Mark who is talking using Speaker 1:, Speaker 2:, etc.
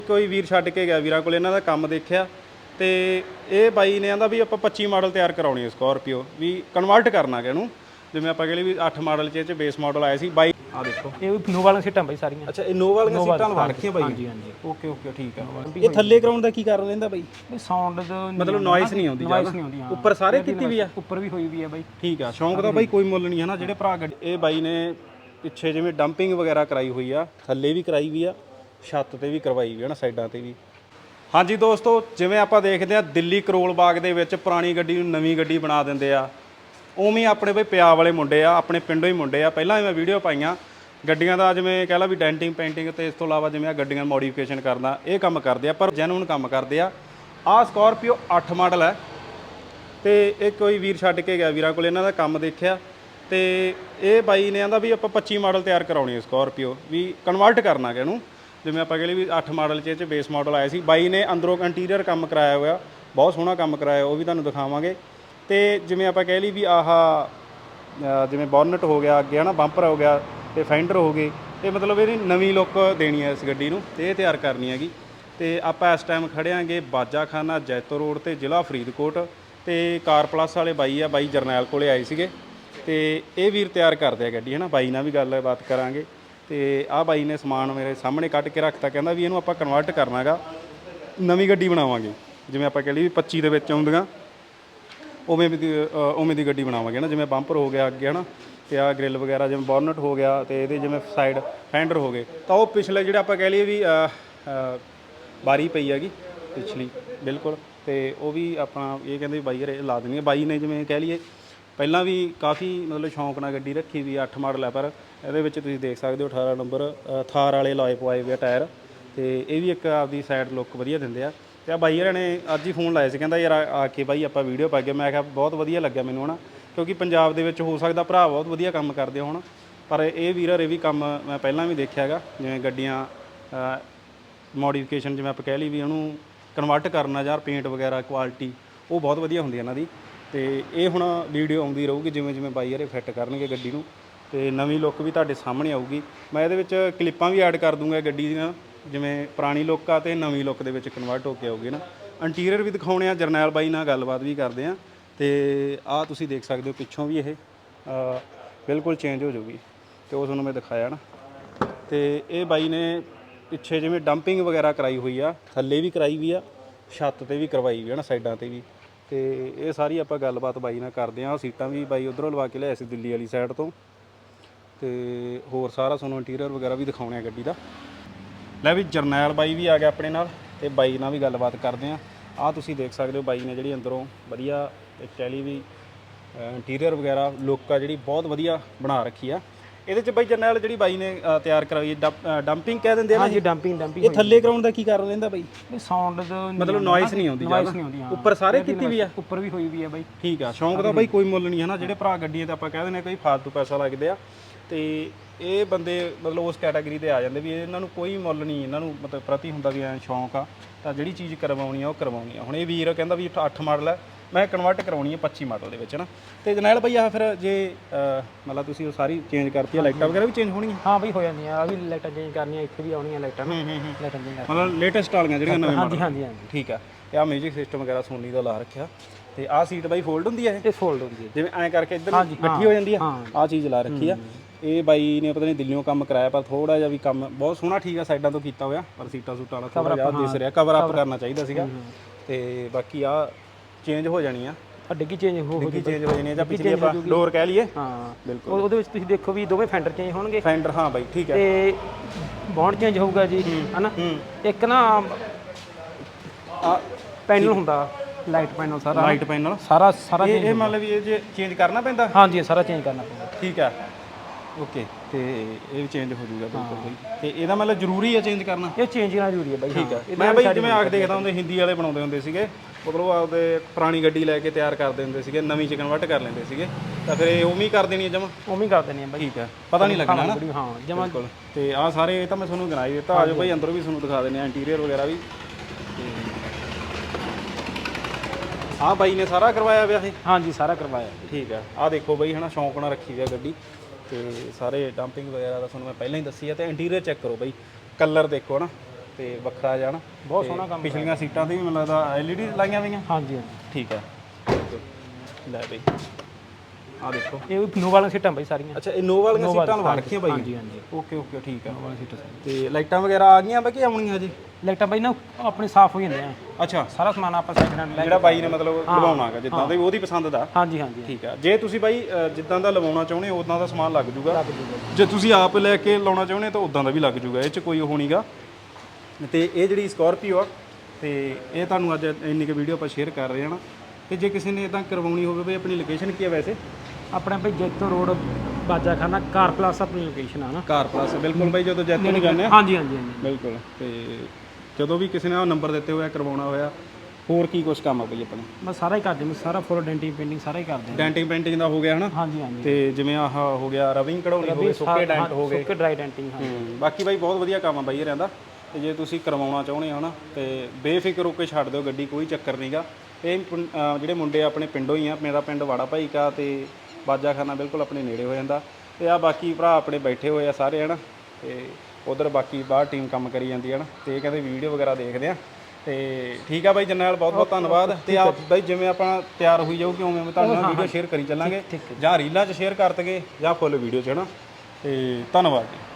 Speaker 1: ਕੋਈ ਵੀਰ ਛੱਡ ਕੇ ਗਿਆ ਵੀਰਾਂ ਕੋਲ ਇਹਨਾਂ ਦਾ ਕੰਮ ਦੇਖਿਆ ਤੇ ਇਹ ਬਾਈ ਨੇ ਆਂਦਾ ਵੀ ਆਪਾਂ 25 ਮਾਡਲ ਤਿਆਰ ਕਰਾਉਣੀ ਹੈ ਸਕਾਰਪੀਓ ਵੀ ਕਨਵਰਟ ਕਰਨਾ ਕਿ ਇਹਨੂੰ ਜਿਵੇਂ ਆਪਾਂ ਕਹਿੰਦੇ ਵੀ 8 ਮਾਡਲ ਚ ਬੇਸ ਮਾਡਲ ਆਇਆ ਸੀ ਬਾਈ ਆ ਦੇਖੋ
Speaker 2: ਇਹ ਇਨੋਵਾ ਵਾਲੀਆਂ ਸੀਟਾਂ ਬਾਈ ਸਾਰੀਆਂ।
Speaker 1: ਅੱਛਾ ਇਨੋਵਾ ਵਾਲੀਆਂ ਸੀਟਾਂ ਲਵਾ ਰੱਖੀਆਂ ਬਾਈ।
Speaker 2: ਹਾਂਜੀ ਹਾਂਜੀ
Speaker 1: ਓਕੇ ਓਕੇ ਠੀਕ ਆ। ਇਹ ਥੱਲੇ ਕਰਾਉਣ ਦਾ ਕੀ ਕਾਰਨ ਰਹਿੰਦਾ ਬਾਈ?
Speaker 2: ਇਹ ਸਾਊਂਡ
Speaker 1: ਮਤਲਬ ਨੋਇਸ ਨਹੀਂ ਆਉਂਦੀ
Speaker 2: ਨੋਇਸ ਨਹੀਂ ਆਉਂਦੀ। ਹਾਂ
Speaker 1: ਉੱਪਰ ਸਾਰੇ ਕੀਤੀ ਵੀ ਆ?
Speaker 2: ਉੱਪਰ ਵੀ ਹੋਈ ਵੀ ਆ ਬਾਈ।
Speaker 1: ਠੀਕ ਆ। ਸ਼ੌਂਕ ਦਾ ਬਾਈ ਕੋਈ ਮੁੱਲ ਨਹੀਂ ਹੈ ਨਾ ਜਿਹੜੇ ਭਰਾ ਗੱਡੀ। ਇਹ ਬਾਈ ਨੇ ਪਿੱਛੇ ਜਿਵੇਂ ਡੰਪਿੰਗ ਵਗੈਰਾ ਕਰਾਈ ਹੋਈ ਆ, ਥੱਲੇ ਵੀ ਕਰਾਈ ਵੀ ਆ, ਛੱਤ ਤੇ ਵੀ ਕਰਵਾਈ ਵੀ ਆ ਨਾ, ਸਾਈਡਾਂ ਤੇ ਵੀ। ਹਾਂਜੀ ਦੋਸਤੋ, ਜਿਵੇਂ ਆਪਾਂ ਦੇਖਦੇ ਆ ਦਿੱਲੀ ਕਰੋਲ ਬਾਗ ਦੇ ਵਿੱਚ ਪੁਰਾਣੀ ਗੱਡੀ ਨੂੰ ਨਵੀਂ ਗੱਡੀ ਬਣਾ ਦਿੰਦੇ ਆ, ਉਵੇਂ ਆਪਣੇ ਬਈ ਪਿਆਰ ਵਾਲੇ ਮੁੰਡੇ ਆ, ਆਪਣੇ ਪਿੰਡੋਂ ਹੀ ਮੁੰਡੇ ਆ। ਪਹਿਲਾਂ ਵੀ ਮੈਂ ਵੀਡੀਓ ਪਾਈਆਂ ਗੱਡੀਆਂ ਦਾ, ਜਿਵੇਂ ਕਹਿ ਲਾ ਵੀ ਡੈਂਟਿੰਗ ਪੇਂਟਿੰਗ ਤੇ ਇਸ ਤੋਂ ਇਲਾਵਾ ਜਿਵੇਂ ਆ ਗੱਡੀਆਂ ਮੋਡੀਫਿਕੇਸ਼ਨ ਕਰਨਾ, ਇਹ ਕੰਮ ਕਰਦੇ ਆ, ਪਰ ਜੈਨੂਨ ਕੰਮ ਕਰਦੇ ਆ। ਆਹ ਸਕਾਰਪੀਓ 8 ਮਾਡਲ ਹੈ ਤੇ ਇਹ ਕੋਈ ਵੀਰ ਛੱਡ ਕੇ ਗਿਆ ਵੀਰਾਂ ਕੋਲ ਇਹਨਾਂ ਦਾ ਕੰਮ ਦੇਖਿਆ ਤੇ ਇਹ ਬਾਈ ਨੇ ਆਂਦਾ ਵੀ ਆਪਾਂ 25 ਮਾਡਲ ਤਿਆਰ ਕਰਾਉਣੀ ਹੈ ਸਕਾਰਪੀਓ ਵੀ ਕਨਵਰਟ ਕਰਨਾ ਕਿ ਇਹਨੂੰ ਜਿਵੇਂ ਆਪਾਂ ਕਹਿੰਦੇ ਵੀ 8 ਮਾਡਲ ਚ ਬੇਸ ਮਾਡਲ ਆਇਆ ਸੀ। ਬਾਈ ਨੇ ਅੰਦਰੋਂ ਇੰਟੀਰੀਅਰ ਕੰਮ ਕਰਾਇਆ ਹੋਇਆ, ਬਹੁਤ ਸੋਹਣਾ ਕੰਮ ਕਰਾਇਆ, ਉਹ ਵੀ ਤੁਹਾਨੂੰ ਦਿਖਾਵਾਂਗੇ। ਤੇ ਜਿਵੇਂ ਆਪਾਂ ਕਹਿ ਲਈ ਵੀ ਆਹ ਜਿਵੇਂ ਬੋਨਟ ਹੋ ਗਿਆ ਅੱਗੇ ਹੈ ਨਾ, ਬੰਪਰ ਹੋ ਗਿਆ ਤੇ ਫੈਂਡਰ ਹੋ ਗਏ, ਇਹ ਮਤਲਬ ਇਹਦੀ ਨਵੀਂ ਲੁੱਕ ਦੇਣੀ ਹੈ ਇਸ ਗੱਡੀ ਨੂੰ ਤੇ ਇਹ ਤਿਆਰ ਕਰਨੀ ਹੈਗੀ। ਤੇ ਆਪਾਂ ਇਸ ਟਾਈਮ ਖੜੇ ਆਂਗੇ ਬਾਜਾਖਾਨਾ ਜੈਤੋ ਰੋਡ ਤੇ, ਜ਼ਿਲ੍ਹਾ ਫਰੀਦਕੋਟ। ਤੇ ਕਾਰ ਪਲੱਸ ਵਾਲੇ ਬਾਈ ਆ, ਬਾਈ ਜਰਨੈਲ ਕੋਲੇ ਆਏ ਸੀਗੇ ਤੇ ਇਹ ਵੀਰ ਤਿਆਰ ਕਰਦੇ ਆ ਗੱਡੀ ਹੈ ਨਾ। ਬਾਈ ਨਾਲ ਵੀ ਗੱਲਬਾਤ ਕਰਾਂਗੇ। ਤੇ ਆਹ ਬਾਈ ਨੇ ਸਮਾਨ ਮੇਰੇ ਸਾਹਮਣੇ ਕੱਢ ਕੇ ਰੱਖਤਾ, ਕਹਿੰਦਾ ਵੀ ਇਹਨੂੰ ਆਪਾਂ ਕਨਵਰਟ ਕਰਨਾ ਹੈਗਾ, ਨਵੀਂ ਗੱਡੀ ਬਣਾਵਾਂਗੇ। ਜਿਵੇਂ ਆਪਾਂ ਕਹਿ ਲਈ ਵੀ 25 ਦੇ ਵਿੱਚ ਆਉਂਦੀਆਂ ਉਵੇਂ ਦੀ ਗੱਡੀ ਬਣਾਵਾਂਗੇ ਨਾ, ਜਿਵੇਂ ਬੰਪਰ ਹੋ ਗਿਆ ਅੱਗੇ ਹੈ ਨਾ, ਤੇ ਆਹ ਗ੍ਰਿਲ ਵਗੈਰਾ ਜਿਵੇਂ ਬੋਨਟ ਹੋ ਗਿਆ ਤੇ ਇਹਦੇ ਜਿਵੇਂ ਸਾਈਡ ਫੈਂਡਰ ਹੋ ਗਏ, ਤਾਂ ਉਹ ਪਿਛਲੇ ਜਿਹੜੇ ਆਪਾਂ ਕਹਿ ਲਈਏ ਵੀ ਬਾਰੀ ਪਈ ਹੈਗੀ ਪਿਛਲੀ ਬਿਲਕੁਲ, ਤੇ ਉਹ ਵੀ ਆਪਾਂ ਇਹ ਕਹਿੰਦੇ ਵੀ ਬਾਈ ਯਾਰ ਲਾ ਦੇਣੀ ਹੈ। ਬਾਈ ਨੇ ਜਿਵੇਂ ਕਹਿ ਲਈਏ ਪਹਿਲਾਂ ਵੀ ਕਾਫੀ ਮਤਲਬ ਸ਼ੌਂਕ ਨਾਲ ਗੱਡੀ ਰੱਖੀ ਵੀ 8 ਮਾਡਲ ਹੈ, ਪਰ ਇਹਦੇ ਵਿੱਚ ਤੁਸੀਂ ਦੇਖ ਸਕਦੇ ਹੋ 18 ਨੰਬਰ ਥਾਰ ਵਾਲੇ ਲਾਏ ਪਵਾਏ ਹੋਏ ਆ ਟਾਇਰ, ਤੇ ਇਹ ਵੀ ਇੱਕ ਆਪਦੀ ਸਾਈਡ ਲੁੱਕ ਵਧੀਆ ਦਿੰਦੇ ਆ। ਤੇ ਆ ਬਾਈ ਯਾਰ ਨੇ ਅੱਜ ਹੀ ਫੋਨ ਲਾਇਆ ਸੀ, ਕਹਿੰਦਾ ਯਾਰ ਆ ਕੇ ਬਾਈ ਆਪਾਂ ਵੀਡੀਓ ਪਾ ਕੇ। ਮੈਂ ਕਿਹਾ ਬਹੁਤ ਵਧੀਆ ਲੱਗਿਆ ਮੈਨੂੰ ਹੈ ਨਾ, ਕਿਉਂਕਿ ਪੰਜਾਬ ਦੇ ਵਿੱਚ ਹੋ ਸਕਦਾ ਭਰਾ ਬਹੁਤ ਵਧੀਆ ਕੰਮ ਕਰਦੇ ਹੋਣ, ਪਰ ਇਹ ਵੀਰ ਹਰੇ ਵੀ ਕੰਮ ਮੈਂ ਪਹਿਲਾਂ ਵੀ ਦੇਖਿਆ ਹੈਗਾ, ਜਿਵੇਂ ਗੱਡੀਆਂ ਮੋਡੀਫਿਕੇਸ਼ਨ ਜਿਵੇਂ ਆਪਾਂ ਕਹਿ ਲਈ ਵੀ ਉਹਨੂੰ ਕਨਵਰਟ ਕਰਨਾ ਜਾਂ ਪੇਂਟ ਵਗੈਰਾ ਕੁਆਲਿਟੀ ਉਹ ਬਹੁਤ ਵਧੀਆ ਹੁੰਦੀ ਇਹਨਾਂ ਦੀ। ਤੇ ਇਹ ਹੁਣ ਵੀਡੀਓ ਆਉਂਦੀ ਰਹੂਗੀ ਜਿਵੇਂ ਜਿਵੇਂ ਬਾਈ ਯਾਰੇ ਫਿੱਟ ਕਰਨਗੇ ਗੱਡੀ ਨੂੰ, ਤੇ ਨਵੀਂ ਲੁੱਕ ਵੀ ਤੁਹਾਡੇ ਸਾਹਮਣੇ ਆਊਗੀ। ਮੈਂ ਇਹਦੇ ਵਿੱਚ ਕਲਿੱਪਾਂ ਵੀ ਐਡ ਕਰ ਦੂੰਗਾ ਗੱਡੀ ਦੀਆਂ, ਜਿਵੇਂ ਪੁਰਾਣੀ ਲੁੱਕ ਆ ਤੇ ਨਵੀਂ ਲੁੱਕ ਦੇ ਵਿੱਚ ਕਨਵਰਟ ਹੋ ਕੇ ਆਊਗੀ ਨਾ। ਇੰਟੀਰੀਅਰ ਵੀ ਦਿਖਾਉਣੇ ਆ, ਜਰਨੈਲ ਬਾਈ ਨਾਲ ਗੱਲਬਾਤ ਵੀ ਕਰਦੇ ਆ। ਤੇ ਆਹ ਤੁਸੀਂ ਦੇਖ ਸਕਦੇ ਹੋ ਪਿੱਛੋਂ ਵੀ ਇਹ ਬਿਲਕੁਲ ਚੇਂਜ ਹੋ ਜਾਊਗੀ, ਤੇ ਉਹ ਤੁਹਾਨੂੰ ਮੈਂ ਦਿਖਾਇਆ ਨਾ। ਤੇ ਇਹ ਬਾਈ ਨੇ ਪਿੱਛੇ ਜਿਵੇਂ ਡੰਪਿੰਗ ਵਗੈਰਾ ਕਰਾਈ ਹੋਈ ਆ, ਥੱਲੇ ਵੀ ਕਰਾਈ ਵੀ ਆ, ਛੱਤ ਤੇ ਵੀ ਕਰਵਾਈ ਵੀ ਆ ਨਾ, ਸਾਈਡਾਂ ਤੇ ਵੀ। ਤੇ ਇਹ ਸਾਰੀ ਆਪਾਂ ਗੱਲਬਾਤ ਬਾਈ ਨਾਲ ਕਰਦੇ ਆ। ਸੀਟਾਂ ਵੀ ਬਾਈ ਉਧਰੋਂ ਲਵਾ ਕੇ ਲਿਆਏ ਸੀ ਦਿੱਲੀ ਵਾਲੀ ਸਾਈਡ ਤੋਂ, ਤੇ ਹੋਰ ਸਾਰਾ ਤੁਹਾਨੂੰ ਇੰਟੀਰੀਅਰ ਵਗੈਰਾ ਵੀ ਦਿਖਾਉਣੇ ਆ ਗੱਡੀ ਦਾ। ਲੈ ਵੀ ਜਰਨੈਲ ਬਾਈ ਵੀ ਆ ਗਿਆ ਆਪਣੇ ਨਾਲ, ਤੇ ਬਾਈ ਨਾਲ ਵੀ ਗੱਲਬਾਤ ਕਰਦੇ ਆ। ਆਹ ਤੁਸੀਂ ਦੇਖ ਸਕਦੇ ਹੋ ਬਾਈ ਨੇ ਜਿਹੜੀ ਅੰਦਰੋਂ ਵਧੀਆ ਕਹਿ ਲਈ ਵੀ ਇੰਟੀਰੀਅਰ ਵਗੈਰਾ ਲੁੱਕ ਆ ਜਿਹੜੀ ਬਹੁਤ ਵਧੀਆ ਬਣਾ ਰੱਖੀ ਆ। ਇਹਦੇ 'ਚ ਬਾਈ ਜਰਨੈਲ ਜਿਹੜੀ ਬਾਈ ਨੇ ਤਿਆਰ ਕਰਾਈ ਡੰਪਿੰਗ ਕਹਿ ਦਿੰਦੇ ਆ ਨਾ।
Speaker 2: ਹਾਂਜੀ ਡੰਪਿੰਗ।
Speaker 1: ਇਹ ਥੱਲੇ ਕਰਾਉਣ ਦਾ ਕੀ ਕਾਰਨ ਰਹਿੰਦਾ ਬਾਈ?
Speaker 2: ਇਹ ਸਾਊਂਡ
Speaker 1: ਮਤਲਬ ਨੋਇਸ ਨਹੀਂ ਆਉਂਦੀ। ਉੱਪਰ ਸਾਰੇ ਕੀਤੀ ਵੀ ਆ?
Speaker 2: ਉੱਪਰ ਵੀ ਹੋਈ ਵੀ ਆ ਬਾਈ।
Speaker 1: ਠੀਕ ਆ। ਸ਼ੌਂਕ ਦਾ ਬਾਈ ਕੋਈ ਮੁੱਲ ਨਹੀਂ ਹੈ ਨਾ, ਜਿਹੜੇ ਭਰਾ ਗੱਡੀਆਂ ਤੇ ਆਪਾਂ ਕਹਿ ਦਿੰਦੇ ਕੋਈ ਫਾਲਤੂ ਪੈਸਾ ਲੱਗਦੇ ਆ, ਤੇ ਇਹ ਬੰਦੇ ਮਤਲਬ ਉਸ ਕੈਟਾਗਰੀ ਦੇ ਆ ਜਾਂਦੇ ਵੀ ਇਹਨਾਂ ਨੂੰ ਕੋਈ ਮੁੱਲ ਨਹੀਂ, ਇਹਨਾਂ ਨੂੰ ਮਤਲਬ ਪ੍ਰਤੀ ਹੁੰਦਾ ਵੀ ਐਂ ਸ਼ੌਂਕ ਆ, ਤਾਂ ਜਿਹੜੀ ਚੀਜ਼ ਕਰਵਾਉਣੀ ਆ ਉਹ ਕਰਵਾਉਣੀ ਆ। ਹੁਣ ਇਹ ਵੀਰ ਕਹਿੰਦਾ ਵੀ 8 ਮਾਡਲ ਹੈ, ਮੈਂ ਕਨਵਰਟ ਕਰਾਉਣੀ ਹੈ 25 ਮਾਡਲ ਦੇ ਵਿੱਚ ਨਾ। ਤੇ ਜਰਨੈਲ ਬਾਈ ਆ ਫਿਰ ਜੇ ਮਤਲਬ ਤੁਸੀਂ ਉਹ ਸਾਰੀ ਚੇਂਜ ਕਰਤੀ ਆ, ਲਾਈਟਾਂ ਵਗੈਰਾ ਵੀ ਚੇਂਜ ਹੋਣਗੀਆਂ?
Speaker 2: ਹਾਂ ਬਾਈ ਹੋ ਜਾਂਦੀਆਂ, ਆ ਵੀ ਲਾਈਟਾਂ ਚੇਂਜ ਕਰਨੀਆਂ, ਇੱਥੇ ਵੀ ਆਉਣੀਆਂ ਲਾਈਟਾਂ ਲਾਈਟਾਂ ਚੇਂਜ
Speaker 1: ਮਤਲਬ ਲੇਟੈਸਟ ਵਾਲੀਆਂ ਜਿਹੜੀਆਂ ਨਵੇਂ ਮਾਡਲ।
Speaker 2: ਹਾਂਜੀ।
Speaker 1: ਠੀਕ ਆ। ਤੇ ਆ ਮਿਊਜ਼ਿਕ ਸਿਸਟਮ ਵਗੈਰਾ ਸੋਨੀ ਦਾ ਲਾ ਰੱਖਿਆ, ਤੇ ਆਹ ਸੀਟ ਬਾਈ ਫੋਲਡ ਹੁੰਦੀ ਹੈ?
Speaker 2: ਇਹ ਫੋਲਡ ਹੁੰਦੀ ਹੈ,
Speaker 1: ਜਿਵੇਂ ਐਂ ਕਰਕੇ ਇੱਧਰ ਇਕੱਠੀ ਹੋ ਜਾਂਦੀ ਆ। ਆਹ ਚੀਜ਼ ਲਾ ਰੱਖੀ ਆ। ਇਹ ਬਾਈ ਨੇ ਪਤਾ ਨਹੀਂ ਦਿੱਲੀੋਂ ਕੰਮ ਕਰਾਇਆ, ਪਰ ਥੋੜਾ ਜਿਹਾ ਵੀ ਕੰਮ ਬਹੁਤ ਸੋਹਣਾ ਠੀਕ ਆ, ਸਾਈਡਾਂ ਤੋਂ ਕੀਤਾ ਹੋਇਆ, ਪਰ ਸੀਟਾਂ ਸੂਟਾਂ ਵਾਲਾ ਥੋੜਾ ਜਿਹਾ ਦਿਸ ਰਿਹਾ, ਕਵਰ ਅਪ ਕਰਨਾ ਚਾਹੀਦਾ ਸੀਗਾ। ਤੇ ਬਾਕੀ ਆ ਚੇਂਜ ਹੋ ਜਾਣੀ ਆ,
Speaker 2: ਡਿੱਗੀ ਚੇਂਜ ਹੋ
Speaker 1: ਜਾਣੀ ਆ, ਜਾਂ ਪਿਛਲੀ ਆਪਾਂ ਡੋਰ ਕਹਿ ਲਈਏ।
Speaker 2: ਹਾਂ ਬਿਲਕੁਲ। ਉਹਦੇ ਵਿੱਚ ਤੁਸੀਂ ਦੇਖੋ ਵੀ ਦੋਵੇਂ ਫੈਂਡਰ ਚੇਂਜ ਹੋਣਗੇ।
Speaker 1: ਫੈਂਡਰ ਹਾਂ ਬਾਈ ਠੀਕ ਹੈ।
Speaker 2: ਤੇ ਬੌਂਡ ਚੇਂਜ ਹੋਊਗਾ ਜੀ ਹਨਾ। ਇੱਕ ਨਾ ਪੈਨਲ ਹੁੰਦਾ, ਲਾਈਟ ਪੈਨਲ, ਸਾਰਾ
Speaker 1: ਲਾਈਟ ਪੈਨਲ
Speaker 2: ਸਾਰਾ
Speaker 1: ਇਹ ਮਤਲਬ ਇਹ ਜੇ ਚੇਂਜ ਕਰਨਾ ਪੈਂਦਾ?
Speaker 2: ਹਾਂਜੀ ਸਾਰਾ ਚੇਂਜ ਕਰਨਾ ਪੈਂਦਾ।
Speaker 1: ਠੀਕ ਹੈ ਓਕੇ। ਤੇ ਇਹ ਵੀ ਚੇਂਜ ਹੋ ਜਾਊਗਾ ਬਿਲਕੁਲ ਬਾਈ। ਤੇ ਇਹਦਾ ਮਤਲਬ ਜ਼ਰੂਰੀ ਹੈ ਚੇਂਜ ਕਰਨਾ?
Speaker 2: ਇਹ ਚੇਂਜ ਕਰਨਾ ਜ਼ਰੂਰੀ ਹੈ ਬਾਈ।
Speaker 1: ਠੀਕ ਹੈ। ਮੈਂ ਬਾਈ ਜਿਵੇਂ ਆਖ ਦੇਖਦਾ ਹੁੰਦੇ ਹਿੰਦੀ ਵਾਲੇ ਬਣਾਉਂਦੇ ਹੁੰਦੇ ਸੀਗੇ, ਮਤਲਬ ਆਪਦੇ ਪੁਰਾਣੀ ਗੱਡੀ ਲੈ ਕੇ ਤਿਆਰ ਕਰਦੇ ਹੁੰਦੇ ਸੀਗੇ, ਨਵੀਂ ਚ ਕਨਵਰਟ ਕਰ ਲੈਂਦੇ ਸੀਗੇ, ਤਾਂ ਫਿਰ ਇਹ ਉਵੇਂ ਹੀ ਕਰ ਦੇਣੀ ਹੈ ਜਮਾ?
Speaker 2: ਉਵੇਂ ਹੀ ਕਰ ਦੇਣੀ ਹੈ ਬਾਈ।
Speaker 1: ਠੀਕ ਹੈ, ਪਤਾ ਨਹੀਂ ਲੱਗਣਾ ਨਾ।
Speaker 2: ਹਾਂ ਜਮਾ।
Speaker 1: ਤੇ ਆਹ ਸਾਰੇ ਇਹ ਤਾਂ ਮੈਂ ਤੁਹਾਨੂੰ ਗਿਣਾਈ ਦਿੱਤਾ। ਆਜੋ ਬਾਈ ਅੰਦਰੋਂ ਵੀ ਤੁਹਾਨੂੰ ਦਿਖਾ ਦਿੰਦੇ ਆ ਇੰਟੀਰੀਅਰ ਵਗੈਰਾ ਵੀ। ਆਹ ਬਾਈ ਨੇ ਸਾਰਾ ਕਰਵਾਇਆ ਵਿਆ ਇਹ?
Speaker 2: ਹਾਂਜੀ ਸਾਰਾ ਕਰਵਾਇਆ।
Speaker 1: ਠੀਕ ਹੈ। ਆਹ ਦੇਖੋ ਬਾਈ ਹੈ ਨਾ, ਸ਼ੌਂਕ ਨਾਲ ਰੱਖੀ ਹੋਈ ਆ ਗੱਡੀ, ਤੇ ਸਾਰੇ ਡੰਪਿੰਗ ਵਗੈਰਾ ਦਾ ਤੁਹਾਨੂੰ ਮੈਂ ਪਹਿਲਾਂ ਹੀ ਦੱਸੀ ਆ। ਤੇ ਇੰਟੀਰੀਅਰ ਚੈੱਕ ਕਰੋ ਬਾਈ, ਕਲਰ ਦੇਖੋ ਨਾ, ਤੇ ਵੱਖਰਾ ਜਿਹਾ ਨਾ
Speaker 2: ਬਹੁਤ ਸੋਹਣਾ ਕੰਮ
Speaker 1: ਪਿਛਲੀਆਂ ਸੀਟਾਂ ਤੇ ਵੀ ਮੈਨੂੰ ਲੱਗਦਾ LED ਲਾਈਆਂ ਹੋਈਆਂ।
Speaker 2: ਹਾਂਜੀ ਹਾਂਜੀ
Speaker 1: ਠੀਕ ਹੈ ਲੈ ਬਈ ਆ ਦੇਖੋ
Speaker 2: ਇਹ ਵੀ ਇਨੋਵਾ ਵਾਲੀਆਂ ਸੀਟਾਂ ਬਾਈ ਸਾਰੀਆਂ।
Speaker 1: ਅੱਛਾ ਇਨੋਵਾ ਵਾਲੀਆਂ ਸੀਟਾਂ ਲਵਾ ਰੱਖੀਆਂ ਬਾਈ।
Speaker 2: ਹਾਂਜੀ ਹਾਂਜੀ
Speaker 1: ਓਕੇ ਓਕੇ ਠੀਕ ਹੈ।
Speaker 2: ਇਨੋਵਾ ਵਾਲੀਆਂ ਸੀਟਾਂ ਸਾਰੀਆਂ।
Speaker 1: ਤੇ ਲਾਈਟਾਂ ਵਗੈਰਾ ਆ ਗਈਆਂ ਬਾਕੀ ਆਉਣੀਆਂ ਹਜੇ।
Speaker 2: ਲਾਈਟਾਂ ਬਾਈ ਨਾ ਆਪਣੇ ਸਾਫ਼ ਹੋ ਜਾਂਦੇ ਆ,
Speaker 1: ਅੱਛਾ
Speaker 2: ਸਾਰਾ ਸਮਾਨ ਆਪਾਂ ਸੈਕਿੰਡ ਹੈਂਡ ਲੈ
Speaker 1: ਜਿਹੜਾ ਬਾਈ ਨੇ ਮਤਲਬ ਲਵਾਉਣਾ ਹੈਗਾ ਜਿੱਦਾਂ ਦਾ ਉਹਦੀ ਪਸੰਦ ਦਾ।
Speaker 2: ਹਾਂਜੀ ਹਾਂਜੀ
Speaker 1: ਠੀਕ ਆ ਜੇ ਤੁਸੀਂ ਬਾਈ ਜਿੱਦਾਂ ਦਾ ਲਵਾਉਣਾ ਚਾਹੁੰਦੇ ਹੋ ਉਦਾਂ ਦਾ ਸਮਾਨ ਲੱਗ ਜੂਗਾ।
Speaker 2: ਲੱਗ ਜੂਗਾ।
Speaker 1: ਜੇ ਤੁਸੀਂ ਆਪ ਲੈ ਕੇ ਲਾਉਣਾ ਚਾਹੁੰਦੇ ਤਾਂ ਉਦਾਂ ਦਾ ਵੀ ਲੱਗ ਜੂਗਾ, ਇਹ 'ਚ ਕੋਈ ਉਹ ਨਹੀਂਗਾ। ਤੇ ਇਹ ਜਿਹੜੀ ਸਕੋਰਪੀਓ ਆ ਤੇ ਇਹ ਤੁਹਾਨੂੰ ਅੱਜ ਇੰਨੀ ਕੁ ਵੀਡੀਓ ਆਪਾਂ ਸ਼ੇਅਰ ਕਰ ਰਹੇ ਹਾਂ ਨਾ। ਤੇ ਜੇ ਕਿਸੇ ਨੇ ਇਦਾਂ ਕਰਵਾਉਣੀ ਹੋਵੇ ਬਈ ਆਪਣੀ ਲੋਕੇਸ਼ਨ ਕੀ ਹੈ ਵੈਸੇ?
Speaker 2: ਆਪਣੇ ਭਾਈ Jaito road Bajakhana car plus ਆਪਣੀ ਲੋਕੇਸ਼ਨ ਆ ਨਾ।
Speaker 1: ਕਾਰ ਪਲੱਸ ਬਿਲਕੁਲ ਬਾਈ ਜਦੋਂ ਜੈਤੋ ਨੂੰ ਜਾਂਦੇ ਆ
Speaker 2: ਹਾਂਜੀ ਹਾਂਜੀ ਹਾਂਜੀ
Speaker 1: ਬਿਲਕੁਲ। ਤੇ ਜਦੋਂ ਵੀ ਕਿਸੇ ਨੇ ਆਹ ਨੰਬਰ ਦਿੱਤੇ ਹੋਇਆ ਕਰਵਾਉਣਾ ਹੋਇਆ ਹੋਰ ਕੀ ਕੁਛ ਕੰਮ ਆ ਬਈ ਆਪਣੇ?
Speaker 2: ਮੈਂ ਸਾਰਾ ਹੀ ਕਰ ਦਿੰਦਾ, ਸਾਰਾ ਫੁੱਲ ਡੈਂਟਿੰਗ ਪੇਂਟਿੰਗ ਸਾਰਾ ਹੀ ਕਰਦੇ ਹਾਂ।
Speaker 1: ਡੈਂਟਿੰਗ ਪੇਂਟਿੰਗ ਦਾ ਹੋ ਗਿਆ ਹਨਾ।
Speaker 2: ਹਾਂਜੀ ਹਾਂਜੀ
Speaker 1: ਤੇ ਜਿਵੇਂ ਆਹ ਹੋ ਗਿਆ ਰਵਿੰਗ ਕਢਾਉਣੀ ਹੋ ਗਈ, ਸੁੱਕੇ ਡੈਂਟ ਹੋ ਗਏ,
Speaker 2: ਸੁੱਕੇ ਡਰਾਈ ਡੈਂਟਿੰਗ। ਹਾਂ
Speaker 1: ਬਾਕੀ ਬਾਈ ਬਹੁਤ ਵਧੀਆ ਕੰਮ ਆ ਬਾਈ ਇਹਦਾ। ਤੇ ਜੇ ਤੁਸੀਂ ਕਰਵਾਉਣਾ ਚਾਹੁੰਦੇ ਹੋ ਨਾ ਤੇ ਬੇਫਿਕਰ ਹੋ ਕੇ ਛੱਡ ਦਿਓ ਗੱਡੀ, ਕੋਈ ਚੱਕਰ ਨਹੀਂਗਾ। ਇਹ ਜਿਹੜੇ ਮੁੰਡੇ ਆਪਣੇ ਪਿੰਡੋਂ ਹੀ ਆ, ਮੇਰਾ ਪਿੰਡ ਵਾੜਾ ਭਾਈ ਕਾ ਤੇ ਬਾਜਾਖਾਨਾ ਬਿਲਕੁਲ ਆਪਣੇ ਨੇੜੇ ਹੋ ਜਾਂਦਾ। ਤੇ ਆ ਬਾਕੀ ਭਰਾ ਆਪਣੇ ਬੈਠੇ ਹੋਏ ਆ ਸਾਰੇ ਹਨਾ। ਤੇ ਉਧਰ ਬਾਕੀ ਬਾਹਰ ਟੀਮ ਕੰਮ ਕਰੀ ਜਾਂਦੀ ਹੈ ਨਾ। ਤੇ ਇਹ ਕਹਿੰਦੇ ਵੀਡੀਓ ਵਗੈਰਾ ਦੇਖਦੇ ਆ। ਤੇ ਠੀਕ ਆ ਬਾਈ ਜਰਨੈਲ ਬਹੁਤ ਬਹੁਤ ਧੰਨਵਾਦ। ਤੇ ਆਪ ਬਾਈ ਜਿਵੇਂ ਆਪਾਂ ਤਿਆਰ ਹੋਈ ਜਾਊਗੀ ਉਵੇਂ ਮੈਂ ਤੁਹਾਡੇ ਨਾਲ ਵੀਡੀਓ ਸ਼ੇਅਰ ਕਰੀ ਚੱਲਾਂਗੇ, ਜਾਂ ਰੀਲਾਂ 'ਚ ਸ਼ੇਅਰ ਕਰ ਤਗੇ ਜਾਂ ਫੁੱਲ ਵੀਡੀਓ 'ਚ ਹਨਾ। ਤੇ ਧੰਨਵਾਦ ਜੀ।